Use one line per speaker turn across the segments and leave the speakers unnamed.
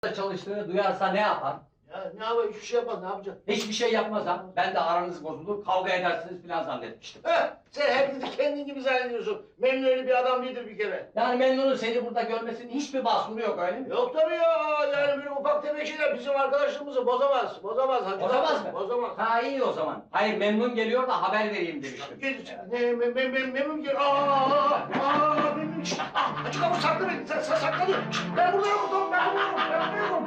çalıştığını duyarsa ne yapar?
Ya ne yapayım, hiçbir şey yapmaz, ne yapacak?
Hiçbir şey yapmaz ha. Ben de aranız bozulur, kavga edersiniz falan zannetmiştim.
Sen hepinizi kendin gibi zannediyorsun. Memnun öyle bir adam değildir bir kere.
Yani Memnun'un seni burada görmesinin hiçbir mahsuru yok öyle mi?
Yok tabii ya, yani böyle ufak tefek şeyler bizim arkadaşlığımızı bozamaz. Bozamaz hacı.
Bozamaz mı?
Bozamaz.
Ha iyi o zaman. Hayır Memnun geliyor da haber vereyim demiştim.
Memnun gel. Memnun. Açık ama sakla beni. Sen sakladı. Ben burada yokum. Ben burada yokum.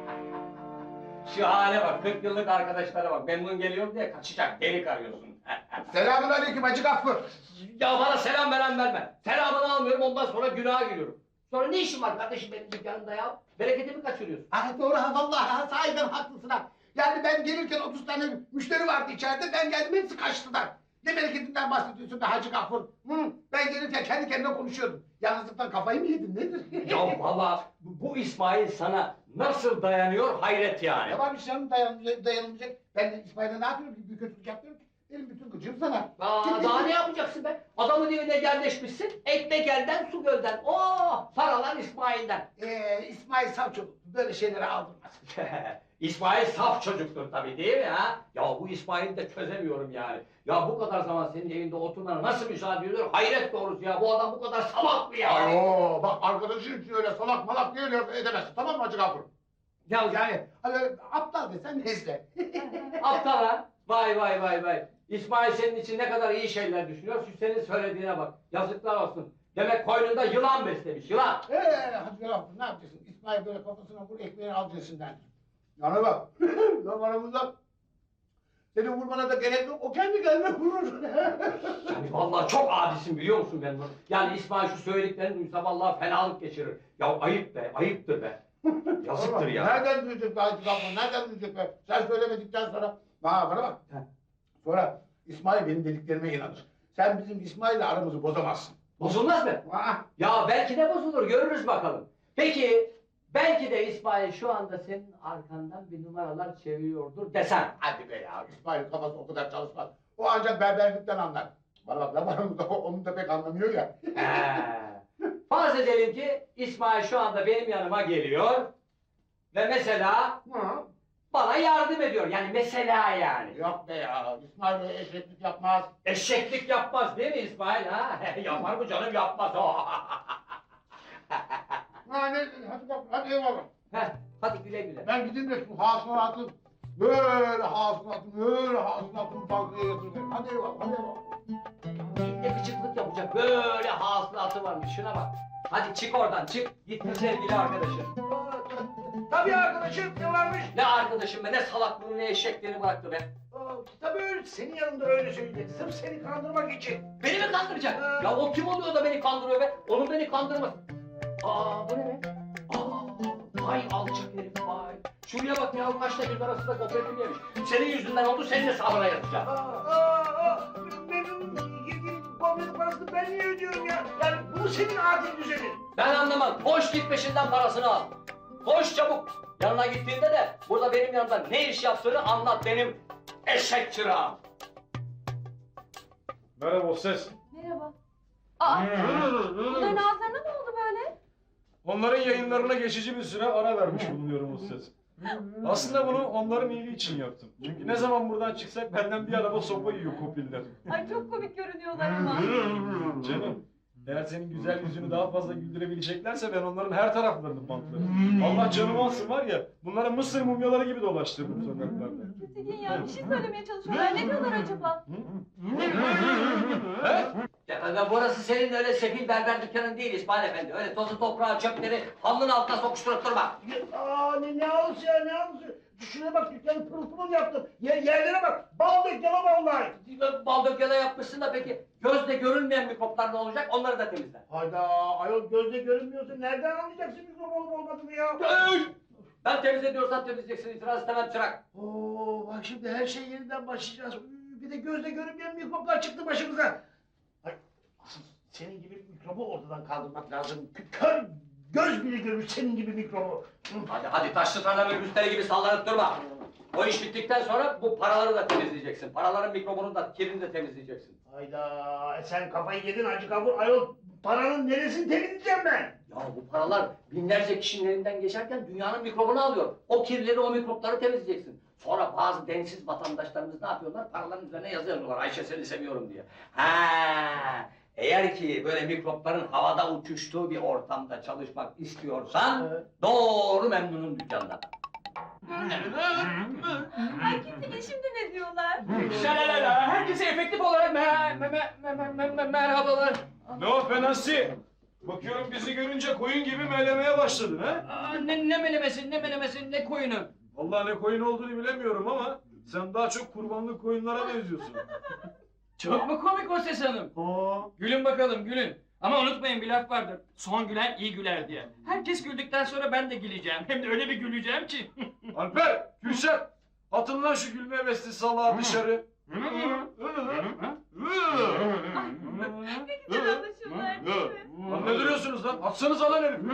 Şu hale bak, 40 yıllık arkadaşlara bak. Memnun geliyor diye kaçacak, delik arıyorsun.
Selamünaleyküm Hacı Gaffur.
Ya bana selam veren verme. Selamını almıyorum, ondan sonra günaha giriyorum. Sonra ne işin var kardeşim benim dükkanımda ya? Bereketimi kaçırıyorsun.
Ah doğru ha vallahi ha, sahiden haklısın ha. Yani ben gelirken 30 tane müşteri vardı içeride, ben geldim hepsi kaçtılar. Ne bereketinden bahsediyorsun be Hacı Gaffur? Ben gelirken kendi kendime konuşuyordum. Yalnızlıktan kafayı mı yedin nedir?
Ya vallahi bu İsmail sana nasıl dayanıyor hayret yani.
Ne varmış canım dayanılmayacak. Ben de İsmail'e ne yapıyorum ki? Bir kötülük yapıyorum ki. Benim bütün gıcım sana.
Daha ne yapacaksın be? Adamın evine yerleşmişsin, ekmek elden su gölden. Paralar İsmail'den.
İsmail Savçoğlu böyle şeylere aldırmaz.
İsmail saf çocuktur tabii değil mi ha? Ya bu İsmail'i de çözemiyorum yani. Ya bu kadar zaman senin evinde oturmana nasıl müsaade ediyor? Hayret doğrusu ya, bu adam bu kadar salak mı ya?
Ayo bak arkadaşın için öyle salak malak diye laf edemezsin, tamam mı Hacı Gaffur?
Ya
Yani hani aptal desen neyse.
aptal ha? Vay vay vay vay. İsmail senin için ne kadar iyi şeyler düşünüyor, şu senin söylediğine bak. Yazıklar olsun. Demek koynunda yılan beslemiş, yılan.
Hadi Gaffur ne yapacaksın? İsmail böyle kafasına vur ekmeğini al cinsinden. Yana bak. Lan aramızda senin vurmana da gerek yok. O kendi kendine vurur.
Yani vallahi çok adisin biliyor musun ben bunu? Yani İsmail şu söylediklerini duysa vallahi fenalık geçirir. Ya ayıp be, ayıptır be. Yazıktır ya.
Nereden duyacak be Hacı Gaffur? Nereden duyacak be? Sen söylemedikten sonra. Bana bak. Sonra İsmail benim dediklerime inanır. Sen bizim İsmail'le aramızı bozamazsın.
Bozulmaz mı? Ya belki de bozulur, görürüz bakalım. Peki, belki de İsmail şu anda senin arkandan bir numaralar çeviriyordur desem.
Hadi be ya. İsmail'in kafası o kadar çalışmaz. O ancak berberlikten anlar. Bana bak lan aramızda onu da pek anlamıyor ya.
Farz edelim ki İsmail şu anda benim yanıma geliyor ve mesela bana yardım ediyor. Yani mesela yani.
Yok be ya. İsmail öyle eşeklik yapmaz.
Eşeklik yapmaz değil mi İsmail ha? Yapar mı canım, yapmaz o.
Hadi bak, hadi eyvallah.
Hadi güle güle.
Ben gideyim de şu hasılatı böyle hasılatımı bankaya yatırayım. Hadi eyvallah, hadi eyvallah.
Ne gıcıklık yapacak, böyle hasılatı varmış, şuna bak. Hadi çık oradan, çık. Git sevgili arkadaşım.
Tabii arkadaşım, ne varmış?
Ne arkadaşım be, ne salaklığını ne eşekliğini bıraktı be.
Tabii öyle, senin yanında öyle söyleyecek. Sırf seni kandırmak için.
Beni mi kandıracak? Ya o kim oluyor da beni kandırıyor be? Onun beni kandırmaz. Bu ne be? Vay alçak herif vay. Şuraya bak ya, kaçta göz arasında kooperatif yemiş. Senin yüzünden oldu, senin hesabına yatacağım.
Benim yediğim komedi parasını ben niye ödüyorum ya? Yani bu senin adil düzenin.
Ben anlamam. Koş git peşinden parasını al. Koş çabuk. Yanına gittiğinde de burada benim yanımda ne iş yaptığını anlat benim eşek çırağım.
Merhaba o ses.
Merhaba. Bunların ağızlarına ne oldu böyle?
Onların yayınlarına geçici bir süre ara vermiş bulunuyorum o ses. Aslında bunu onların iyiliği için yaptım. Çünkü ne zaman buradan çıksak benden bir araba sopa yiyor kopiller.
Ay çok komik görünüyorlar ama.
Canım, eğer senin güzel yüzünü daha fazla güldürebileceklerse ben onların her taraflarını bantlarım. Allah canımı alsın var ya, bunları Mısır mumyaları gibi dolaştırdım sokaklarda.
Tekin ya bir şey söylemeye çalışıyorlar. Ne diyorlar acaba?
Ya burası senin öyle sefil berber dükkanın değil İsmail Efendi. Öyle tozu toprağı çöpleri halının altına sokuşturup durma.
Ne halısı ya, ne halısı? Şuraya bak, dükkanı pırıl pırıl yaptım. Yerlere bak, bal dükkanı vallahi.
Bal dökene yapmışsın da peki gözle görünmeyen mikroplar ne olacak? Onları da temizle.
Hayda, ayol gözle görünmüyorsa nereden anlayacaksın mikrop olup olmadığını ya?
Ben temizlediyorsam temizleyeceksin, itiraz istemem çırak.
Bak şimdi her şey yeniden başlayacağız. Bir de gözle görünmeyen mikroplar çıktı başımıza. Ay, asıl senin gibi mikrobu ortadan kaldırmak lazım. Kör göz bile görür senin gibi mikrobu.
Hadi taşlı tarlanın üstleri gibi sallanıp durma. O iş bittikten sonra bu paraları da temizleyeceksin. Paraların mikrobunu da, kirini de temizleyeceksin.
Hayda, sen kafayı yedin Hacı Gafur. Ayol paranın neresini temizleyeceğim ben?
Ya bu paralar binlerce kişinin elinden geçerken dünyanın mikrobunu alıyor. O kirleri, o mikropları temizleyeceksin. Sonra bazı densiz vatandaşlarımız ne yapıyorlar? Paraların üzerine yazı yazıyorlar. Ayşe seni seviyorum diye. Ha, eğer ki böyle mikropların havada uçuştuğu bir ortamda çalışmak istiyorsan doğru Memnun'un dükkanına.
Ay Gültekin şimdi ne diyorlar?
Şalalala, herkese efektif olarak merhabalar.
Ne o Fenasi? Bakıyorum bizi görünce koyun gibi melemeye başladın ha?
Aa, ne melemesi, ne koyunu?
Vallahi ne koyun olduğunu bilemiyorum ama sen daha çok kurbanlık koyunlara benziyorsun.
Çok mu komik o Ses Hanım? Gülün bakalım gülün. Ama unutmayın bir laf vardır. Son gülen iyi güler diye. Herkes güldükten sonra ben de güleceğim. Hem de öyle bir güleceğim ki.
Alper, Gülşen, atın lan şu gülme hevesli salağı dışarı.
Ne güzel anlaşıyorlar değil mi?
Lan ne duruyorsunuz lan? Atsanıza lan herifi.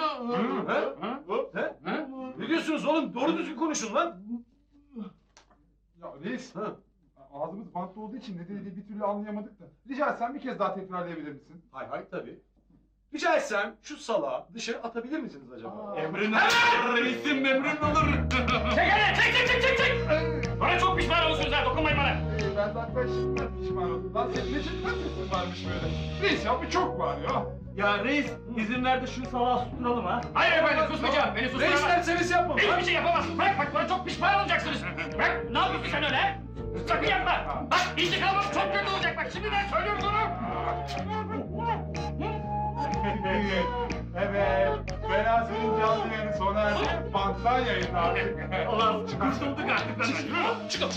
He? Ne diyorsunuz oğlum? Doğru düzgün konuşun lan.
Ya reis,
Ha.
ağzımız bantlı olduğu için ne dediğini bir türlü anlayamadık da. Rica etsem bir kez daha tekrarlayabilir misin?
Hay hay tabii. Rica etsem şu salağı dışarı atabilir misiniz acaba?
Emrin olur. Reisim emrin olur. Çek hele çek. Bana çok pişman olursunuz ha dokunmayın bana.
Ben zaten şimdiden pişman oldum. Lan senin ne çekmez sesin varmış böyle. Reis ya bu çok var ya.
Ya reis izin ver de şu salağı susturalım ha. Hayır efendim susmayacağım. Beni
Ne
susturamaz.
isterseniz yapın.
Hiçbir şey yapamazsın. Bırak bana çok pişman olacaksınız. Bırak ne yapıyorsun sen öyle? Sakın yapma. Bak intikamım çok kötü olacak bak şimdiden söylüyorum sana.
Evet, Fenasi'nin canlı yayını sona erdi. Banttan yayınlandı.
Ulan kurtulduk artık benden. Çık.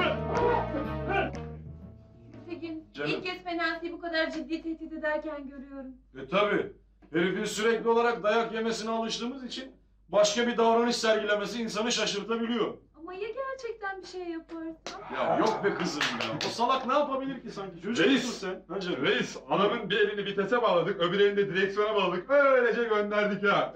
Gültekin
Canım.
ilk kez Fenasi'yi bu kadar ciddi tehdit ederken görüyorum.
Tabii. Herifin sürekli olarak dayak yemesine alıştığımız için başka bir davranış sergilemesi insanı şaşırtabiliyor.
Ama ya gerçekten bir şey yaparsa?
Ya yok be kızım ya. O salak ne yapabilir ki sanki? Çocuk
Reis.
musun sen? Ha canım.
Reis, adamın bir elini vitese bağladık, öbür elini de direksiyona bağladık. Öylece gönderdik ha.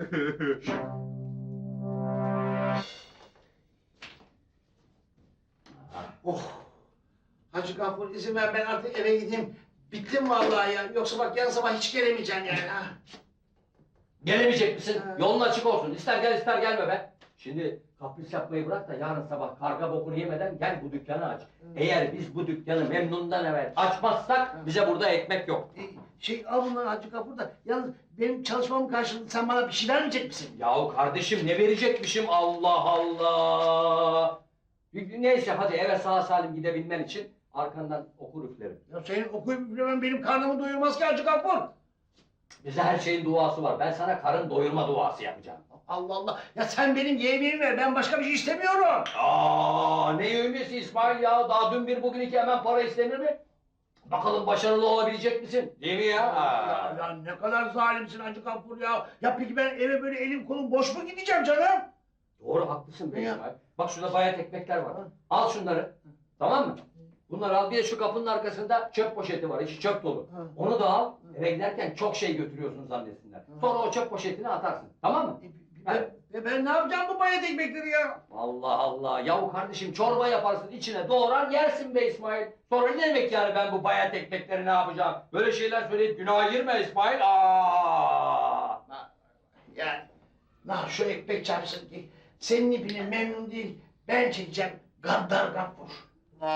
Oh. Hacı Gafur izin ver ben artık eve gideyim. Bittim vallahi ya. Yoksa bak yarın sabah hiç gelemeyeceğim yani. Ha.
Gelemeyecek misin? Yolun açık olsun. İster gel ister gelme be. Şimdi kapris yapmayı bırak da yarın sabah karga bokunu yemeden gel bu dükkanı aç. Eğer biz bu dükkanı Memnun'dan evvel açmazsak bize burada ekmek yok.
Al bunları Hacı Gafur da. Yalnız benim çalışmamın karşılığında sen bana bir şey vermeyecek misin?
Yahu kardeşim ne verecekmişim Allah Allah. Neyse hadi eve sağ salim gidebilmen için arkandan okur üflerim.
Ya senin okuyup üflemen benim karnımı doyurmaz ki Hacı Gafur.
Bize her şeyin duası var. Ben sana karın doyurma duası yapacağım.
Allah Allah. Ya sen benim yemeğimi ver. Ben başka bir şey istemiyorum.
Aa ne yövmesi İsmail ya? Daha dün bir bugün iki hemen para istenir mi? Bakalım başarılı olabilecek misin? Değil mi ya?
Ya ne kadar zalimsin Hacı Gafur ya. Ya peki ben eve böyle elim kolum boş mu gideceğim canım?
Doğru haklısın be
Ya.
İsmail. Bak şurada bayat ekmekler var.
Ha.
Al şunları. Tamam mı? Bunları al. Bir de şu kapının arkasında çöp poşeti var. İçi çöp dolu.
Ha.
Onu da al. Eve giderken çok şey götürüyorsun zannetsinler. Sonra o çöp poşetini atarsın. Tamam mı?
Ben ne yapacağım bu bayat ekmekleri ya?
Allah Allah. Yahu kardeşim çorba yaparsın içine doğrar yersin be İsmail. Sonra ne demek yani ben bu bayat ekmekleri ne yapacağım? Böyle şeyler söyleyip günaha girme İsmail. Aa!
Yani şu ekmek çarpsın ki senin ipini memnun değil ben çekeceğim gaddar Gafur.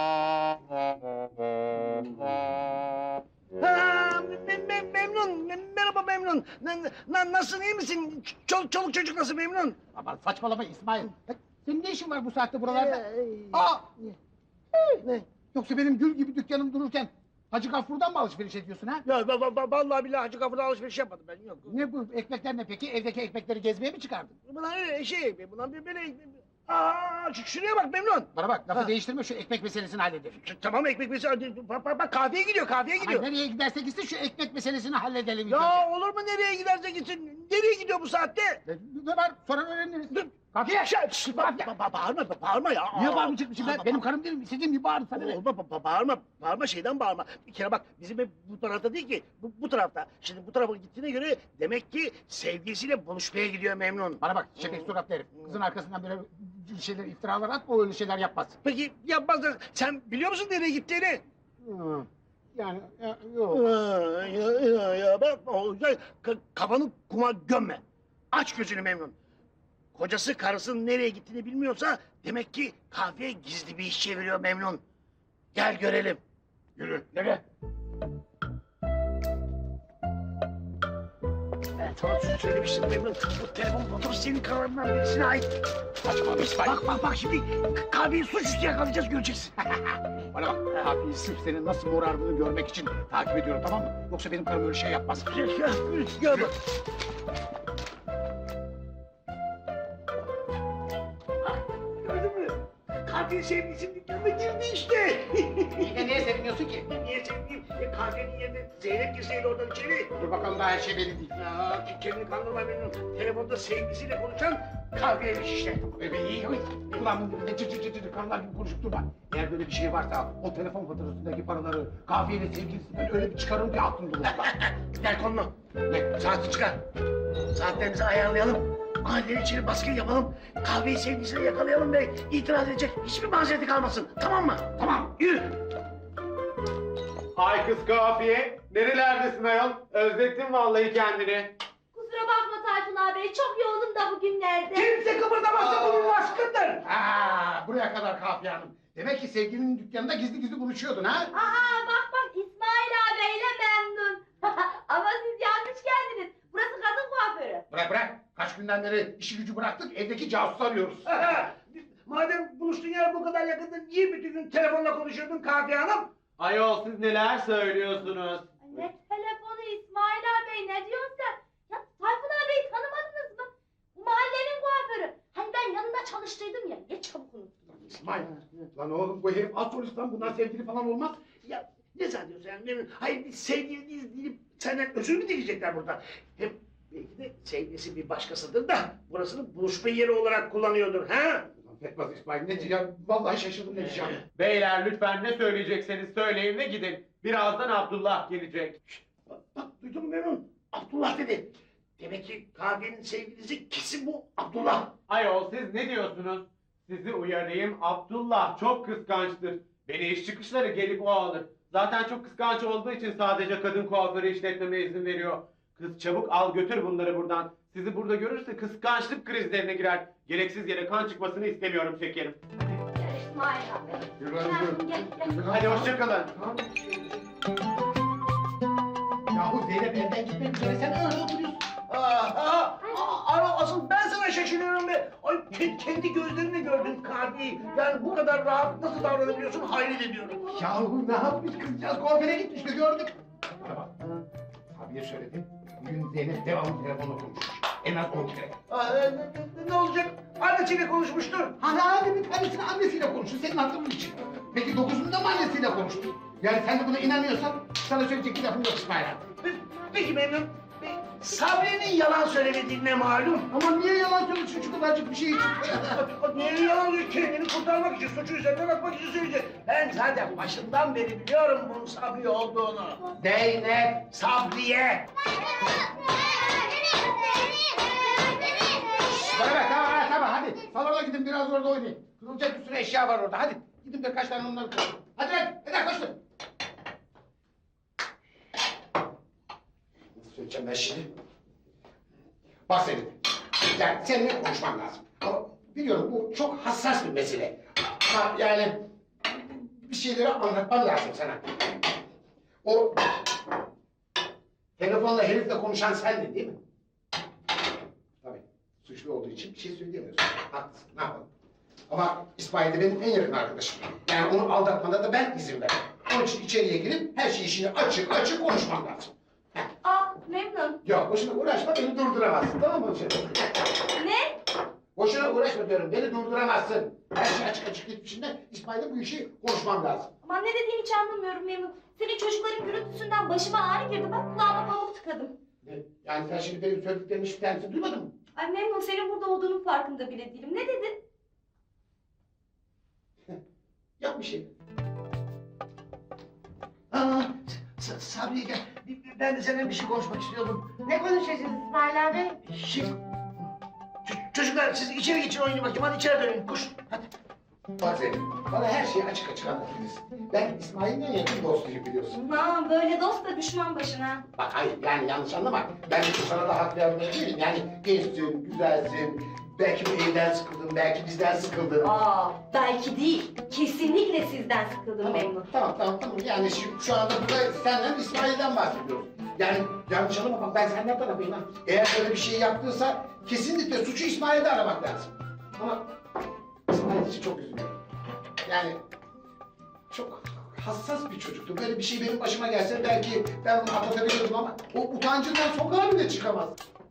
Merhaba memnun. Nasılsın iyi misin? Çoluk çocuk nasıl memnun?
Aman saçmalama İsmail. Senin ne işin var bu saatte buralarda?
Aa! Ne?
Yoksa benim gül gibi dükkanım dururken Hacı Gafur'dan mı alışveriş ediyorsun ha?
Ya vallahi billahi Hacı Gafur'la alışveriş yapmadım ben yok.
Ne bu ekmekler ne peki? Evdeki ekmekleri gezmeye mi çıkardın?
Bunlar öyle bunlar bir böyle... Aa, şuraya bak memnun.
Bana bak lafı
Ha.
değiştirme şu ekmek meselesini halledelim.
Tamam ekmek mesela bak kahveye gidiyor
Ay,
gidiyor.
nereye giderse gitsin şu ekmek meselesini halledelim. ilk önce.
Ya olur mu nereye giderse gitsin? Nereye gidiyor bu saatte?
Ne var? Sonra öğreniriz.
Dur.
Kahveye.
Bağırma ya.
Niye bağırmayacakmışım ben? Benim karım değilim. İstediğim gibi bağırın sana ne?
Bağırma şeyden bağırma. Bir kere bak bizim ev bu tarafta değil ki. Bu tarafta. Şimdi bu tarafa gittiğine göre demek ki sevgilisiyle buluşmaya gidiyor memnun.
Bana bak şebek suratlı herif. Kızın arkasından böyle şeyler iftiralar atma o öyle şeyler yapmaz.
Peki yapmaz da sen biliyor musun nereye gittiğini?
Yani yok.
Ya bak kafanı kuma gömme. Aç gözünü Memnun. Kocası karısının nereye gittiğini bilmiyorsa demek ki kahveye gizli bir iş çeviriyor Memnun. Gel görelim. Yürü, yürü. Ben sana söylemiştim Memnun. Bu telefon faturası senin kararından birisine ait.
Saçma bir İsmail.
Bak şimdi kahveyi suçüstü yakalayacağız göreceksin.
Bana bak, kahveyi sırf senin nasıl morardığını görmek için takip ediyorum, tamam mı? Yoksa benim karım öyle şey yapmaz.
Gel bak. Gördün mü? Katil sevgilisinin dükkanına girdi işte.
İyi de niye seviniyorsun ki?
Niye sevgiliyim? Kahvenin yerine Zeynep girseydi oradan içeri.
Dur bakalım, daha her şey belli değil.
Ya kendini kandırma Memnun. Telefonda sevgilisiyle konuşan kahveymiş işte.
İyi. Ulan ne cır cır cır cır karılar gibi konuşup durma. Eğer böyle bir şey varsa o telefon faturasındaki paraları kahveyle sevgilisinden öyle bir çıkarım ki aklım durur.
Gel konuma. Ne? Saati çıkar. Saatlerimizi ayarlayalım. Mahallenin içeri baskın yapalım. Kahveyi sevgilisine yakalayalım ve itiraz edecek hiçbir mazereti kalmasın. Tamam mı? Tamam. Yürü.
Ay kız kafiye, nerelerdesin ayol? Özlettin vallahi kendini.
Kusura bakma Tayfun abi, çok yoğunum da bugünlerde.
Kimse kıpırdamazsa bunun aşkındır.
Buraya kadar Kafiye Hanım. Demek ki sevgilinin dükkanında gizli gizli buluşuyordun ha?
Aa bak İsmail abiyle memnun. Ama siz yanlış geldiniz. Burası kadın kuaförü.
Bırak. Kaç günden beri işi gücü bıraktık, evdeki casusu arıyoruz.
Madem buluştuğun yer bu kadar yakında niye bütün gün telefonla konuşuyordun Kafiye Hanım?
Ayol siz neler söylüyorsunuz?
Ne telefonu İsmail abi, ne diyorsun sen? Ya Tayfun abiyi tanımadınız mı? Bu mahallenin kuaförü. Hani ben yanında çalıştıydım ya, ne çabuk unuttum.
İsmail, lan oğlum bu herif az sonuçtan bunlar sevgili falan olmaz.
Ya ne zannediyorsun yani? Hayır biz sevgili değiliz deyip senden özür mü dileyecekler burada? Hem belki de sevgilisi bir başkasıdır da burasını buluşma yeri olarak kullanıyordur ha?
Ulan Fetmaz İsmail, ne diyeceğim? Vallahi şaşırdım ne diyeceğim.
Beyler lütfen ne söyleyecekseniz söyleyin ve gidin. Birazdan Abdullah gelecek.
Bak duydun mu Memnun? Abdullah dedi. Demek ki kahvenin sevgilisi kesin bu Abdullah.
Ayol siz ne diyorsunuz? Sizi uyarayım, Abdullah çok kıskançtır. Beni iş çıkışları gelip o alır. Zaten çok kıskanç olduğu için sadece kadın kuaförü işletmeme izin veriyor. Kız çabuk al götür bunları buradan. Sizi burada görürse kıskançlık krizlerine girer. Gereksiz yere kan çıkmasını istemiyorum şekerim.
Gel İsmail abi.
Yürü lan, yürü.
Gel.
Hadi hoşçakalın.
Yahu Zeynep evden gitmek üzere, sen öyle oturuyorsun.
Asıl ben sana şaşırıyorum be. Ay, kendi gözlerinle gördün kahveyi. Yani bu kadar rahat nasıl davranabiliyorsun hayret ediyorum.
Yahu ne yapmış kızcağız, kuaföre gitmişti gördük. Bana bak, abiye söyledim. Bugün Zeynep devamlı telefonla konuşmuş. En az 10 kere.
Ne olacak? Annesiyle konuşmuştur.
Hadi bir tanesini annesiyle konuştu, senin hatırın için. Peki 9'unda mı annesiyle konuştu? Yani sen de buna inanıyorsan sana söyleyecek bir lafım yok İsmail abi.
Peki Memnun, Sabri'nin yalan söylemediğine malum.
Ama niye yalan söylüyorsun şu kadarcık bir şey için?
Niye yalan söylüyor? Kendini kurtarmak için, suçu üzerinden atmak için söyleyecek. Ben zaten başından beri biliyorum bunun Sabri olduğunu.
Zeynep!
Sabriye!
Bana bak, tamam hadi. Salona gidin biraz orada oynayın. Kırılacak bir sürü eşya var orada, hadi. Gidin birkaç tane onları koyun. Hadi lan, koşun. Nasıl söyleyeceğim ben şimdi? Bak Zeynep, yani seninle konuşmam lazım. Ama biliyorum bu çok hassas bir mesele. Ama yani bir şeyleri anlatmam lazım sana. O telefonla herifle konuşan sendin değil mi? Tabii. Suçlu olduğu için bir şey söyleyemiyorsun. Haklısın, ne yapalım? Ama İsmail de benim en yakın arkadaşım. Yani onu aldatmada da ben izin verdim. Onun için içeriye girip her şeyi işini açık konuşmam lazım.
Aa memnun.
Yok, boşuna uğraşma, beni durduramazsın, tamam mı?
Ne?
Boşuna uğraşma diyorum, beni durduramazsın. Her şey açık gitmişinde İsmail'le bu işi konuşmam lazım.
Aman ne dediğini hiç anlamıyorum memnun. Senin çocukların gürültüsünden başıma ağrı girdi. Bak kulağıma pamuk tıkadım.
Ne? Yani sen şimdi benim söylediklerimin hiçbir tanesini duymadın mı?
Ay memnun, senin burada olduğunun farkında bile değilim. Ne dedin?
Yap bir şey.
Sabriye gel. Ben de seninle bir şey konuşmak istiyordum.
Ne konuşacağız İsmail abi?
Çocuklar siz içeri geçin oynayın bakayım. Hadi içeri dönün. Koş. Hadi.
Bak Zeynep, bana her şeyi açık açık anlatabilirsin. Ben İsmail'in en yakın dostuyum biliyorsun.
Aman böyle dost da düşman başına.
Bak hayır yani yanlış anlama. Ben sana da hak vermeye değilim. Yani gençsin, güzelsin. Belki bu evden sıkıldın, belki bizden sıkıldın.
Aa, belki değil. Kesinlikle sizden sıkıldım Memnun.
Tamam. Yani şu anda burada senden İsmail'den bahsediyoruz. Yani yanlış anlama bak ben senden tarafıyım ha. Eğer böyle bir şey yaptıysa kesinlikle suçu İsmail'de aramak lazım. Ama İsmail için çok üzülüyorum. Yani çok hassas bir çocuktu. Böyle bir şey benim başıma gelse belki ben bunu atlatabilirdim ama o utancından sokağa bile çıkamaz.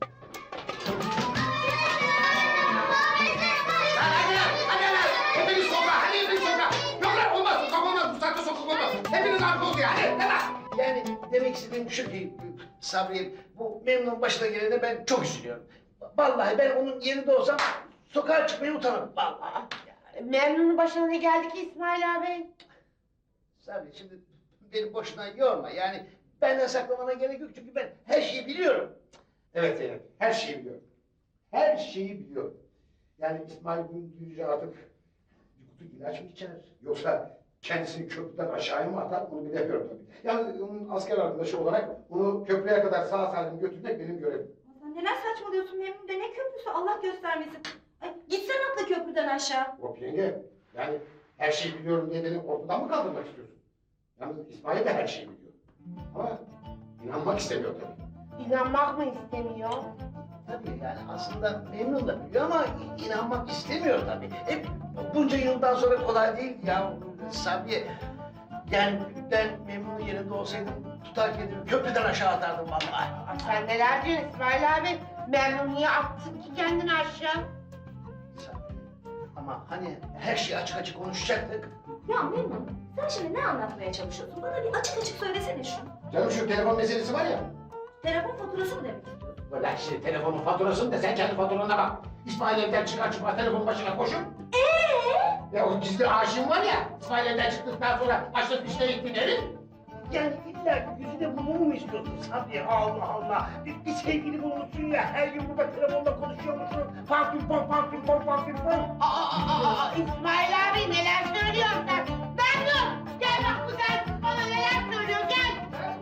Hepiniz sokağa, hadi hepiniz sokağa. Yok lan olmaz, sokak olmaz, bu saatte sokak olmaz. Hepiniz arka oldu yani, değil mi?
Yani demek istediğim şu ki Sabri, bu Memnun başına gelene ben çok üzülüyorum. Vallahi ben onun yerinde olsam sokağa çıkmaya utanırım vallahi.
Memnun'un başına ne geldi ki İsmail abi?
Sabri şimdi beni boşuna yorma yani benden saklamana gerek yok çünkü ben her şeyi biliyorum.
Evet Zeynep, her şeyi biliyorum. Her şeyi biliyorum. Yani İsmail bunu duyunca artık bir kutu ilaç mı içer? Yoksa kendisini köprüden aşağıya mı atar? Bunu bilemiyorum tabii. Yani onun asker arkadaşı olarak onu köprüye kadar sağ salim götürmek benim görevim.
Sen neler saçmalıyorsun Memnun de ne köprüsü Allah göstermesin. Ay, gitsen atla köprüden aşağı.
Hop yenge, yani her şeyi biliyorum diye beni ortadan mı kaldırmak istiyorsun? Yalnız İsmail de her şeyi biliyor. Ama inanmak istemiyor tabii.
İnanmak mı istemiyor?
Tabii yani aslında Memnun da biliyor ama inanmak istemiyor tabii. Bunca yıldan sonra kolay değil ya Sabri. Yani ben Memnun'un yerinde olsaydım tutar kendimi köprüden aşağı atardım vallahi.
Sen neler diyorsun İsmail abi? Memnun niye attın ki kendini aşağı?
Sabri. Ama hani her şeyi açık açık konuşacaktık.
Ya Memnun sen şimdi ne anlatmaya çalışıyorsun? Bana bir açık açık söylesene şunu.
Canım şu telefon meselesi var ya.
Telefon faturası mı demek istiyorsun?
Ulan şimdi telefonun faturasını da sen kendi faturana bak. İsmail evden çıkar çıkmaz telefonun başına koşup. Ya o gizli aşığım var ya. İsmail evden çıktıktan sonra açlık fişine gittin herif.
Yani illa ki yüzüne bulmamı mı istiyorsun Sabri? Allah Allah. Bir sevgili bulmuşsun ya her gün burada telefonda konuşuyormuşsun. Fanfim fanfim.
İsmail abi neler söylüyorsun sen? Memnun! Gel bak bu dersiz bana neler söylüyor gel!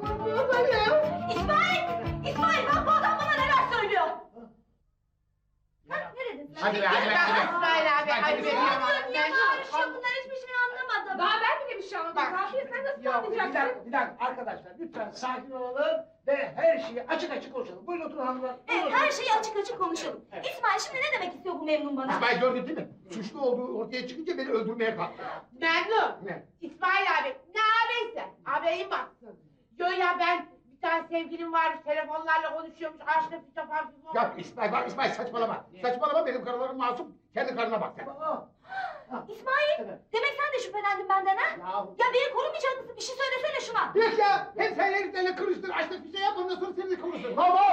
İsmail bak bu adam bana neler söylüyor. Ha, ne dedin sen?
Hadi be hadi be
Bak
hadi be.
İsmail abi hadi be.
Niye bağırışıyor bunlar hiçbir şey anlamadım.
Daha ben bile bir şey anlamadım. Kafiye sen nasıl
Ya bir
anlayacaksın?
dakika arkadaşlar lütfen sakin olalım ve her şeyi açık açık konuşalım. Buyurun oturun hanımlar.
Evet her şeyi açık açık konuşalım. İsmail şimdi ne demek istiyor bu Memnun bana?
İsmail gördün değil mi? Suçlu olduğu ortaya çıkınca beni öldürmeye kalktı.
Memnun!
Ne?
İsmail abi ne ağabeyse ağabeyin baksın. Yo ya ben bir tane sevgilim varmış telefonlarla konuşuyormuş aşkla fişe falan.
Ya İsmail bak İsmail saçmalama. Saçmalama benim karılarım masum. Kendi karına bak sen.
İsmail
Evet.
demek sen de şüphelendin benden ha? Ya beni korumayacak mısın? Bir şey söylesene şuna.
Yok ya hem sen heriflerle kırıştır açlık fişe yap ondan sonra seni de konuşur.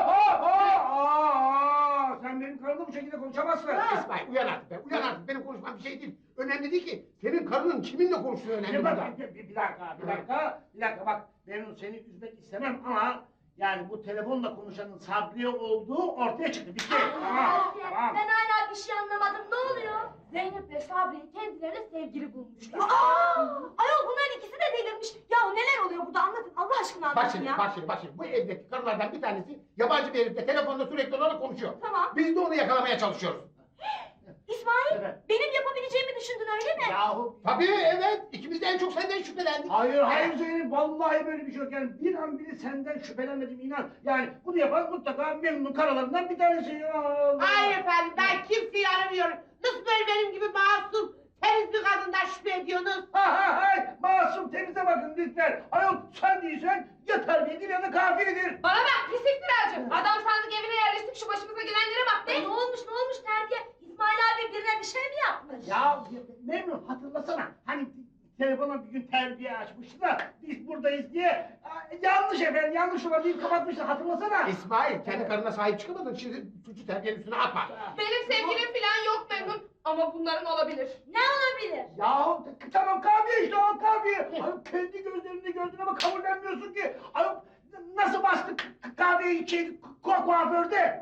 Sen benim karımla bu şekilde konuşamazsın.
İsmail uyan artık be. Uyan artık benim konuşmam bir şey değil. Önemli değil ki. Senin karının kiminle konuştuğu önemli burada.
Bir dakika bak Memnun seni üzmek istemem ama yani bu telefonla konuşanın Sabri olduğu ortaya çıktı. Bitti. Tamam.
Ben hala bir şey anlamadım. Ne oluyor?
Zeynep ve Sabri kendilerine sevgili bulmuşlar.
Ayol bunların ikisi de delirmiş. Ya neler oluyor burada anlatın. Allah aşkına
Bak
anlatın
şimdi,
ya.
bak şimdi. Bu evdeki karılardan bir tanesi yabancı bir herifle telefonda sürekli olarak konuşuyor.
Tamam.
Biz de onu yakalamaya çalışıyoruz.
İsmail
Evet.
benim yapabileceğimi düşündün öyle mi?
Yahu.
Tabii evet. İkimiz de en çok senden şüphelendik.
Hayır Zeynep vallahi böyle bir şey yok yani bir an bile senden şüphelenmedim inan. Yani bunu yapan mutlaka Memnun karalarından bir tanesi. Ya Allah.
Hayır efendim ben kimseyi aramıyorum. Nasıl böyle benim gibi masum temiz bir kadından şüphe ediyorsunuz?
Masum temize bakın lütfen. Ayol sen değilsen ya terbiyedir ya da kafirdir.
Bana bak pis iftiracı. Adam sandık evine yerleştik şu başımıza gelenlere bak be.
Ne olmuş terbiye? İsmail abi birine bir şey mi yapmış?
Ya Memnun hatırlasana hani telefona bir gün terbiye açmıştı da biz buradayız diye yanlış efendim yanlış olabilir kapatmıştı hatırlasana.
İsmail kendi karına sahip çıkamadın. Şimdi suçu terbiyenin üstüne atma.
Benim sevgilim falan yok Memnun. Ama bunların olabilir.
Ne olabilir?
Ya tamam kahve işte o kahve. Ayol kendi gözlerinde gördün ama kabullenmiyorsun ki. Ayol nasıl bastık kahveyi kuaförde?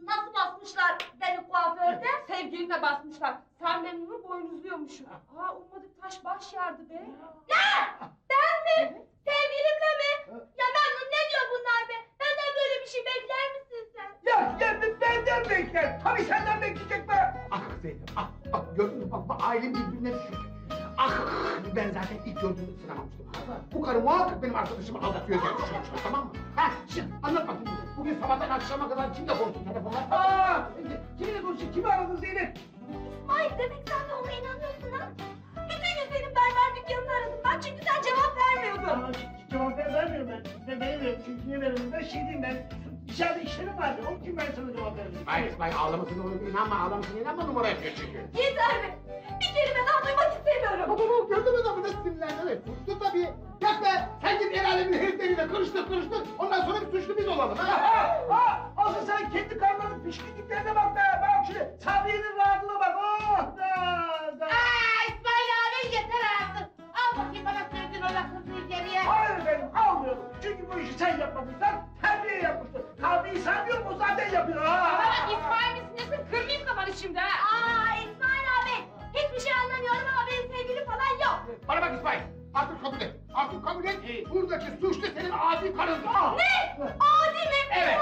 Nasıl basmışlar beni kuaförde?
Sevgilimle basmışlar. Sen memnunu boynuzluyormuşum. Aa ummadık taş baş yardı be.
Ne? Ben mi? Sevgilimle mi? Ya Memnun ne diyor bunlar be? Benden böyle bir şey bekler misin sen?
Ya benden bekler. Tabii senden bekleyecek be.
Ah Zeynep, ah gördün mü bak ailem birbirine düşüyor. Ah ben zaten ilk gördüğümde sınamamıştım. Bu karı muhakkak benim arkadaşımı aldatıyor diye düşünmüştüm, tamam mı? Ha şimdi anlat bakayım bize. Bugün sabahtan akşama kadar kimle konuştun telefonla?
Kiminle konuşuyor? Kimi aradın Zeynep?
İsmail demek sen de ona inanıyorsun ha? Bütün gün senin berber dükkanını aradım ben çünkü sen cevap vermiyordun.
Cevap vermiyorum ben. Ben vermiyorum çünkü niye vermiyorum? Ben şey diyeyim ben. İçeride işlerim vardı. Onun için ben sana cevap vermedim.
İsmail ağlamasına ağlamasına inanma numara yapıyor çünkü.
Yeter be! Bir kelime daha duymak istemiyorum.
Baba gördün mü adamı nasıl sinirlendi? Evet suçlu tabii. Yak be sen git el alemin herifleriyle karıştır. Ondan sonra bir suçlu biz olalım.
Asıl sen kendi karnının pişkinliklerine bak be. Bak şimdi Sabriye'nin rahatlığına bak. Oh da.
İsmail abi yeter artık. Al bakayım bana söylediğin o lafını geriye.
Hayır efendim almıyorum. Çünkü bu işi sen yapmadıysan terbiye yapmıştır. Kahveyi sen diyorum o zaten yapıyor.
Bana İsmail misin nesin? Kırmayayım kafanı şimdi ha.
Aa İsmail abi! Hiçbir şey anlamıyorum ama benim sevgilim falan yok.
Bana bak İsmail. Artık kabul et. Artık kabul et. Buradaki suçlu senin adi karındır.
Ne? Adi mi?
Evet.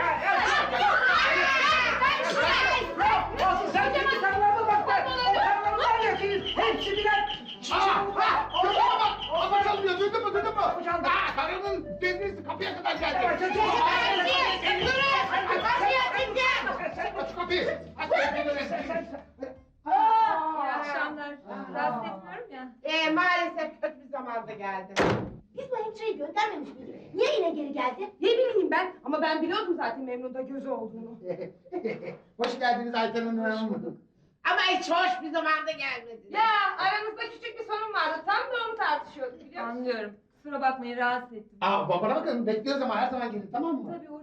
Asıl sen kendi karnına bak be. O karnları var ya senin. Hepsi birer.
Gözüme bak. Kapı çalmıyor. Duydun mu? Karının devresi kapıya kadar geldi. Aç şu kapıyı. Aç
İyi akşamlar. Rahatsız etmiyorum ya.
Maalesef kötü bir zamanda geldi.
Biz bu hemşireyi göndermemiş miydik? Niye yine geri geldi?
Ne bileyim ben ama ben biliyordum zaten Memnun'da gözü olduğunu.
Hoş geldiniz Ayten Hanım.
Ama hiç hoş bir zamanda gelmedi.
Ya aramızda küçük bir sorun vardı. Tam da onu tartışıyorduk biliyor musun? Anlıyorum. Kusura bakmayın rahatsız ettim.
Bana bakın bekliyoruz ama her zaman gelin tamam mı?
Tabii